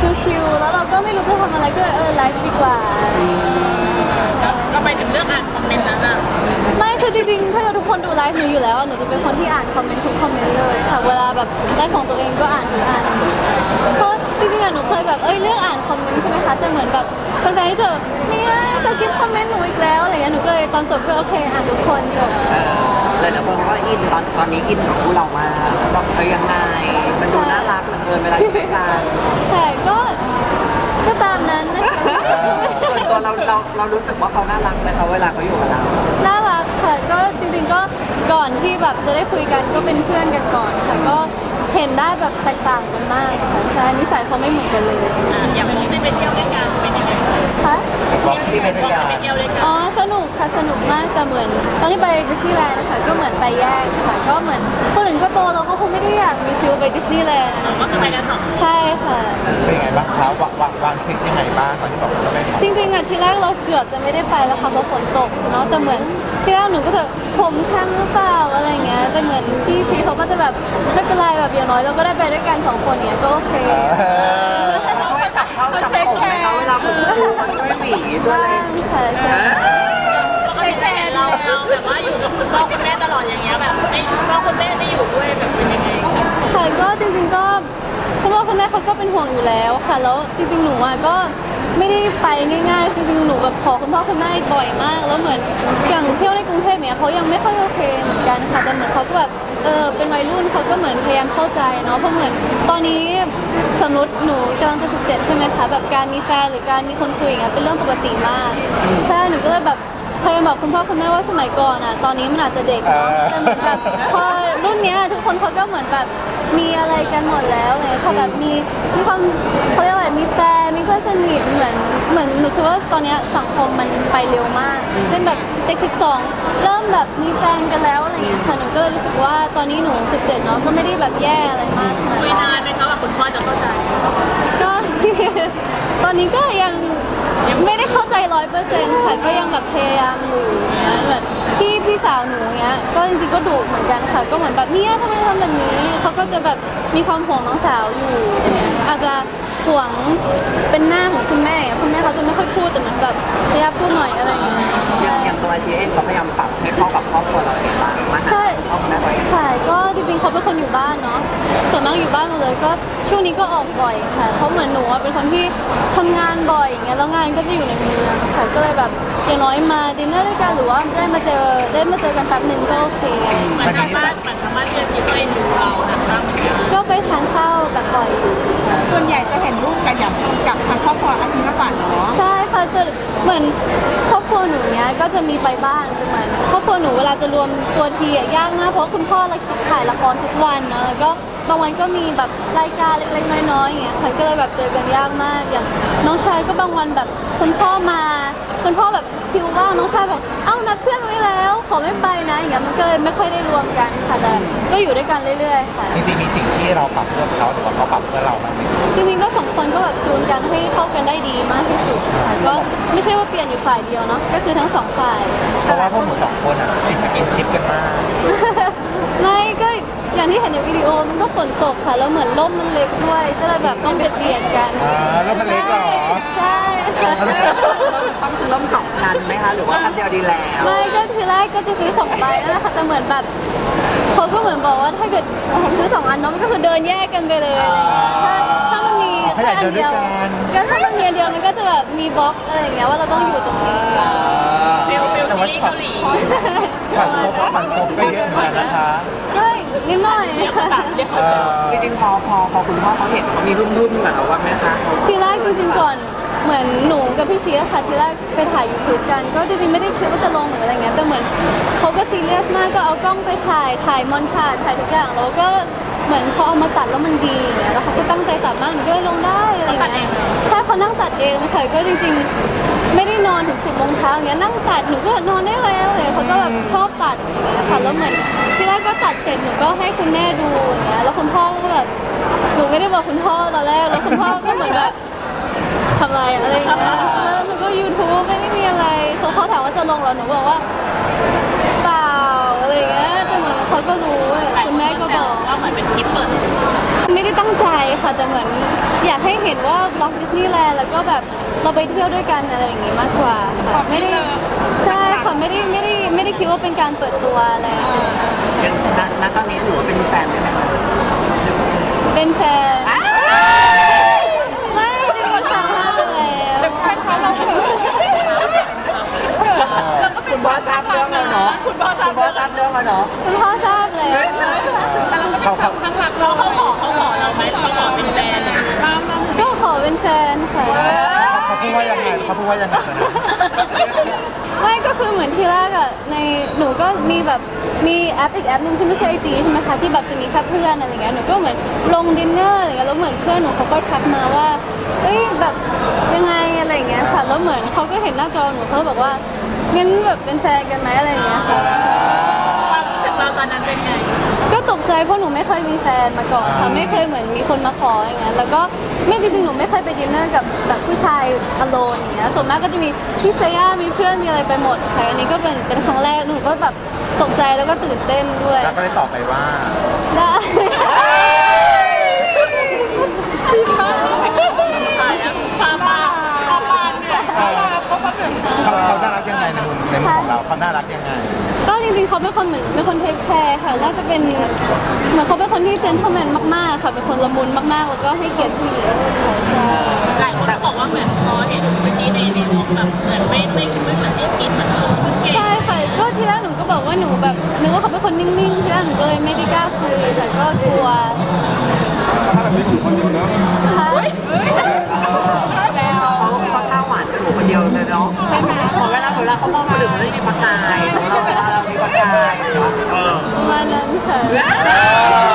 ชิลๆแล้วเราก็ไม่รู้จะทำอะไรก็เลยไลฟ์ดีกว่าก็ไปถึงเรื่องอ่านคอมเมนต์นั้นอ่ะไม่คือจริงๆถ้าเกิดทุกคนดูไลฟ์หนูอยู่แล้วหนูจะเป็นคนที่อ่านคอมเมนต์ทุกคอมเมนต์เลยค่ะเวลาแบบไลฟ์ของตัวเองก็อ่านทุกอันเพราะจริงๆอะหนูเคยแบบเลือกอ่านคอมเมนต์ใช่ไหมคะแต่เหมือนแบบแฟนๆที่จะเนี่ยสกิปคอมเมนต์หนูอีกแล้วอะไรเงี้ยหนูก็เลยตอนจบก็โอเคอ่านทุกคนจบเลยแล้วคนก็อินตอนนี้อินกับคู่เรามาแบบยังไงมันดูน่ารักเหลือเกินเวลาอยู่ด้วยกันใช่ก็ตามนั้นนะคะส่วนตัวเรารู้สึกว่าเขาน่ารักไหมคะเวลาเขาอยู่กับเราน่ารักค่ะก็จริงๆก็ก่อนที่แบบจะได้คุยกันก็เป็นเพื่อนกันก่อนค่ะก็เห็นได้แบบแตกต่างกันมากค่ะใช่นิสัยเขาไม่เหมือนกันเลยอย่างวันนี้ได้ไปเที่ยวด้วยกันเป็นยังไงคะบอกที่เป็นการไปเที่ยวด้วยกันอ๋อสนุกค่ะสนุกมากแต่เหมือนตอนที่ไปดิสนีย์แลนด์นะคะก็เหมือนไปแยกค่ะก็เหมือนคนอื่นก็โตแล้วเขาคงไม่ได้อยากมีฟิลไปดิสนีย์แลนด์อะไรก็คือไปกันสองใช่ค่ะเป็นไงบ้างคะวางทริปยังไงบ้างตอนที่บอกว่าจะไปจริงๆอะทีแรกเราเกือบจะไม่ได้ไปแล้วค่ะเพราะฝนตกเนาะแต่เหมือนทีแรกหนูก็จะผมข้างหรือเปล่าอะไรเงี้ยแต่เหมือนพี่ชีเขาก็จะแบบไม่เป็นไรแบบอย่างน้อยเราก็ได้ไปด้วยกัน2 คนเนี้ยก็โอเคช่วยจับเข้าจับผมไหมคะเวลาผมดูเขาช่วยหวีช่วยอะไรบ้างค่ะใช่ปกติจะเห็นเราแบบว่าอยู่กับคุณพ่อคุณแม่ตลอดอย่างเงี้ยแบบไอ้พ่อคุณแม่ไม่อยู่ด้วยแบบเป็นยังไงค่ะก็จริงๆก็คุณพ่อคุณแม่เขาก็เป็นห่วงอยู่แล้วค่ะแล้วจริงๆหนูอ่ะก็ไม่ได้ไปง่ายๆคือจริงๆหนูแบบขอคุณพ่อคุณแม่บ่อยมากแล้วเหมือนอย่างเที่ยวในกรุงเทพเนี่ยเขายังไม่ค่อยโอเคเหมือนกันค่ะแต่เหมือนเขาก็แบบเป็นวัยรุ่นเขาก็เหมือนพยายามเข้าใจเนาะเพราะเหมือนตอนนี้สมมติหนูกำลังจะ17ใช่ไหมคะแบบการมีแฟนหรือการมีคนคุยอย่างเงี้ยเป็นเรื่องปกติมากใช่หนูก็เลยแบบพยายามบอกคุณพ่อคุณแม่ว่าสมัยก่อนอ่ะตอนนี้มันอาจจะเด็กเนาะแต่เหมือนแบบพอรุ่นเนี้ยทุกคนเขาก็เหมือนแบบมีอะไรกันหมดแล้วเลยค่ะแบบมีความเขาเรียกว่ามีแฟนมีเพื่อนสนิทเหมือนหนูคือว่าตอนเนี้ยสังคมมันไปเร็วมากเช่นแบบเด็ก12เริ่มแบบมีแฟนกันแล้วอะไรอย่างเงี้ยค่ะหนูก็เลยรู้สึกว่าตอนนี้หนู17เนาะก็ไม่ได้แบบแย่อะไรมากขนาดคุยนั้นนานไหมคะว่าคุณพ่อจะเข้าใจก็ ตอนนี้ก็ยังไม่ได้เข้าใจ100%ค่ะก็ยังแบบพยายามอยู่อย่างเงี้ยเหมือนพี่สาวหนูเงี้ยก็จริงๆก็ดุเหมือนกันค่ะก็เหมือนแบบเนี่ยทำไมทำแบบนี้เขาก็จะแบบมีความห่วงน้องสาวอยู่อย่างเงี้ยอาจจะห่วงเป็นหน้าของคุณแม่เขาจะไม่ค่อยพูดแต่เหมือนแบบพยายามพูดหน่อยอะไรอย่างเงี้ยอย่างตัวชีเองเขาพยายามปรับให้เข้ากับครอบครัวเราเองบ้างมากขึ้นเข้ากับแม่ไว้ค่ะก็จริงๆเขาเป็นคนอยู่บ้านเนาะส่วนมากอยู่บ้านหมดเลยก็ช่วงนี้ก็ออกบ่อยค่ะเพราะเหมือนหนูเป็นคนที่ทำงานบ่อยอย่างเงี้ยแล้วงานก็จะอยู่ในเมืองค่ะก็เลยแบบอย่างน้อยมาดินเนอร์ด้วยกันหรือว่าได้มาเจอกันแป๊บหนึ่งก็โอเคเหมือนทางบ้านที่อาชีพก็เอ็นดูเรานะคะก็ไปทานข้าวแบบบ่อยอยู่ส่วนใหญ่จะเห็นรูปกันกับทางครอบครัวอาชีพมากกว่าเนาะใช่ค่ะจะเหมือนครอบครัวหนูเนี้ยก็จะมีไปบ้างแต่เหมือนครอบครัวหนูเวลาจะรวมตัวทีอะยากมากเพราะคุณพ่อเราถ่ายละครทุกวันเนาะแล้วก็บางวันก็มีแบบรายการเล็กๆน้อยๆอย่างเงี้ยค่ะก็เลยแบบเจอกันยากมากอย่างน้องชายก็บางวันแบบคุณพ่อแบบคิวว่างน้องชายบอกเอ้านัดเพื่อนไว้แล้วขอไม่ไปนะอย่างเงี้ยมันก็เลยไม่ค่อยได้รวมกันค่ะแต่ก็อยู่ด้วยกันเรื่อยๆค่ะจริงๆมีสิ่งที่เราปรับเพื่อเขาหรือว่าเขาปรับเพื่อเราบ้างไหมจริงๆก็2 คนก็แบบจูนกันให้เข้ากันได้ดีมากที่สุดค่ะก็ไม่ใช่ว่าเปลี่ยนอยู่ฝ่ายเดียวเนาะก็คือทั้ง2 ฝ่ายเพราะว่าพวกหนู2 คนอ่ะติดสกินชิปกันมากไม่ก็อย่างที่เห็นในวิดีโอมันก็ฝนตกค่ะแล้วเหมือนร่มมันเล็กด้วยก็เลยแบบต้องเบียดกันแล้วมันเล็กเหรอใช่ค่ะต้องซื้อร่ม2 คันไหมคะหรือว่าคันเดียวดีแล้วไม่ก็ทีแรกก็จะซื้อ2 ใบนั่นแหละค่ะแต่เหมือนแบบเขาก็เหมือนบอกว่าถ้าเกิดซื้อ2 อันเนาะมันก็คือเดินแยกกันไปเลยถ้ามันมีแค่อันเดียวก็ถ้ามันมีอันเดียวมันก็จะแบบมีบล็อกอะไรอย่างเงี้ยว่าเราต้องอยู่ตรงนี้ฟิลซีรีส์เกาหลีฝันคบก็เยอะเหมือนกันนะคะก็นิดหน่อยจริงๆพอคุณพ่อเขาเห็นเขามีรุ่นๆเหมือนเราว่าไหมคะทีแรกจริงๆก่อนเหมือนหนูกับพี่เชียร์ค่ะทีแรกไปถ่าย YouTube กันก็จริงๆไม่ได้คิดว่าจะลงหรืออะไรเงี้ยแต่เหมือนเขาก็ซีเรียสมากก็เอากล้องไปถ่ายมอนทาจถ่ายทุกอย่างแล้วก็เหมือนพอเอามาตัดแล้วมันดีอย่างเงี้ยแล้วเขาก็ตั้งใจตัดมากหนูก็เลยลงได้อะไรเงี้ยใช่เขานั่งตัดเองค่ะก็จริงๆไม่ได้นอนถึง10 โมงเช้าอย่างเงี้ยนั่งตัดหนูก็นอนได้แล้วเลยเขาก็แบบชอบตัดอย่างเงี้ยค่ะแล้วเหมือนทีแรกก็ตัดเสร็จหนูก็ให้คุณแม่ดูอย่างเงี้ยแล้วคุณพ่อก็แบบหนูไม่ได้บอกคุณพ่อตอนแรกแล้วคุณพ่อก็เหมือนแบบทำอะไรอย่างเงี้ยแล้วหนูก็ YouTube ไม่ได้มีอะไรเขาถามว่าจะลงเหรอหนูบอกว่าเปล่าอะไรอย่างเงี้ยแต่เหมือนเขาก็รู้คุณแม่ก็บอกว่าเหมือนเป็นคลิปเปิดไม่ได้ตั้งใจค่ะแต่เหมือนอยากให้เห็นว่าบล็อกดิสนีย์แลนด์แล้วก็แบบเราไปเที่ยวด้วยกันอะไรอย่างงี้มากกว่าค่ะไม่ได้ใช่ค่ะไม่ได้คิดว่าเป็นการเปิดตัวอะไรอย่างเงี้ยยังณตอนนี้ถือว่าเป็นแฟนไหมคะเป็นแฟนไม่จริงๆสามารถไปแล้วแฟนเขาเราเขินเราก็เป็คุนณบอสทราบเรื่องแล้วเนาะคุณพ่อทราบคุณบอสทราบเรื่องแล้วเนาะคุณพ่อทราบแล้วแต่เราก็เป็นสาวข้างหลักเราเขาขอเราไหมเขาขอเป็นแฟนเลยตามเราก็ขอเป็นแฟนค่ะเขาพูดว่ายังไงเขาพูดว่ายังไงตอนนั้นไม่ก็คือเหมือนที่แรกอะในหนูก็มีแบบมีแอปอีกแอปหนึ่งที่ไม่ใช่ไอจีใช่ไหมคะที่แบบจะมีแค่เพื่อนอะไรเงี้ยหนูก็เหมือนลงดินเนอร์อะไรเงี้ยแล้วเหมือนเพื่อนหนูเขาก็ทักมาว่าเอ้ยแบบยังไงอะไรเงี้ยค่ะแล้วเหมือนเขาก็เห็นหน้าจอหนูเขาก็บอกว่างั้นแบบเป็นแฟนกันไหมอะไรเงี้ยค่ะความรู้สึกเราตอนนั้นเป็นไงก็ตกใจเพราะหนูไม่เคยมีแฟนมาก่อนค่ะไม่เคยเหมือนมีคนมาขออย่างเงี้ยแล้วก็ไม่จริงๆหนูไม่เคยไปดินเนอร์กับแบบผู้ชายอโลนอย่างเงี้ยส่วนมากก็จะมีพี่เซย่ามีเพื่อนมีอะไรไปหมดค่ะอันนี้ก็เป็นครั้งแรกหนูก็แบบตกใจแล้วก็ตื่นเต้นด้วยแล้วก็ได้ตอบไปว่าได้ตายแล้วพาปานเนี่ยเขาน่ารักยังไงในมุมของเราเขาน่ารักยังไงก็จริงๆเขาเป็นคนเหมือนเป็นคนเทคแคร์ค่ะน่าจะเป็นเหมือนเขาเป็นคนที่เจนเทลแมนมากๆค่ะเป็นคนละมุนมากๆแล้วก็ให้เกียรติผู้หญิงใช่หลายคนบอกว่าเหมือนพอเห็นเมื่อกี้ในวงแบบเหมือนไม่เหมือนที่คิดเหมือนเราเก่งใช่ค่ะก็ทีแรกหนูก็บอกว่าหนูแบบนึกว่าเขาเป็นคนนิ่งๆทีแรกหนูก็เลยไม่ได้กล้าคุยแต่ก็กลัวถ้าแบบนี้อยู่คนเดียวเนอะค่ะเขาหน้าหวานกับหนูคนเดียวเลยเนาะใช่ไหมเวลาเขามองคนอื่นมันไม่มีประกายเราเวลาเรามีประกายเนาะประมาณนั้นค่ะเ